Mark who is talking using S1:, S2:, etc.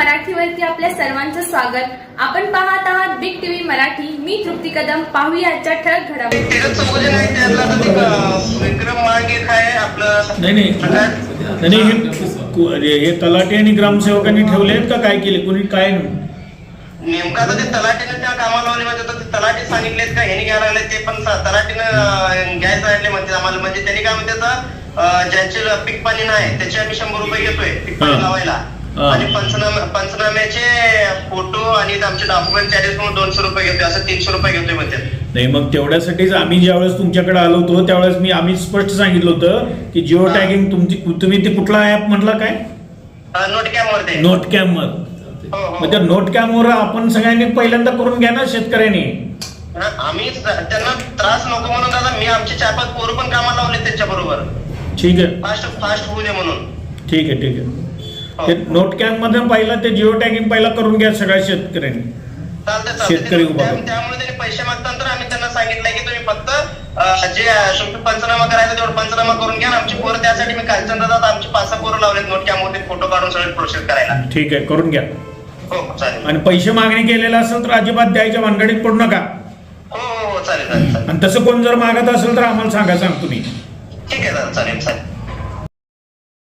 S1: मराठीवरती आपल्या सर्वांचं स्वागत. आपण पाहत आहात बिग टीव्ही मराठी. मी तृप्ती कदम. पाहूया आजच्या ठळक घडामोडी.
S2: नाही हे तलाठी आणि ग्रामसेवकांनी ठेवले आहेत का काय केले कोणी काय
S3: नेमका आता ते तलाठीने त्या कामाला लावले म्हणजे आता ते तलाठी सांगितलेत का ह्यानी घ्यायला लागले ते पण तलाठीनं घ्यायचं राहिले म्हणते आम्हाला. म्हणजे त्यांनी काय म्हणते ज्यांचे पीक पाणी नाही त्याचे आम्ही 100 रुपये घेतोय पीक पाणी लावायला आणि पंचनाम्याचे फोटो आणि आमचे डॉक्युमेंट चार्जेस म्हणून 200 रुपये घेतोय असं 300 रुपये घेतोय म्हणते.
S2: नाही मग तेवढ्यासाठीच आम्ही ज्यावेळेस तुमच्याकडे आलो होतो त्यावेळेस आम्ही स्पष्ट सांगितलं होतं की जिओ टॅगिंग तुम्ही ते कुठला ऍप म्हटला काय नोट कॅम वर मग त्या नोट कॅम वर आपण सगळ्यांनी पहिल्यांदा करून घ्या ना शेतकऱ्यांनी.
S3: आम्ही त्यांना त्रास नको म्हणून दादा मी आमचे 4-5 पोरं पण कामाला लावले त्यांच्या बरोबर.
S2: ठीक आहे
S3: फास्ट होऊ दे म्हणून.
S2: ठीक आहे ते नोट कॅम्प मध्ये पहिला ते जिओ टॅगिंग पहिला करून घ्या सगळ्या शेतकऱ्यांनी. शेतकरी
S3: त्यामुळे त्यांनी पैसे मागताना तर आम्ही त्यांना सांगितलंय की तुम्ही फक्त जे तुम्ही पंचनामा करायचा तेवढं पंचनामा करून घ्या. आमची पोरं त्यासाठी मी कालचंद दादा आमची 5-6 पोरं लावलेत नोट कॅम्प मध्ये फोटो काढून सगळे प्रोसेस करायला.
S2: ठीक आहे करून घ्या.
S3: हो चालेल.
S2: आणि पैसे मागणी केलेला असेल तर अजिबात द्यायच्या भानगडीत पडू नका.
S3: हो चालेल.
S2: आणि तसं कोण जर मागत असेल तर आम्हाला सांगा सांगतो मी.
S3: ठीक आहे दादा चालेल.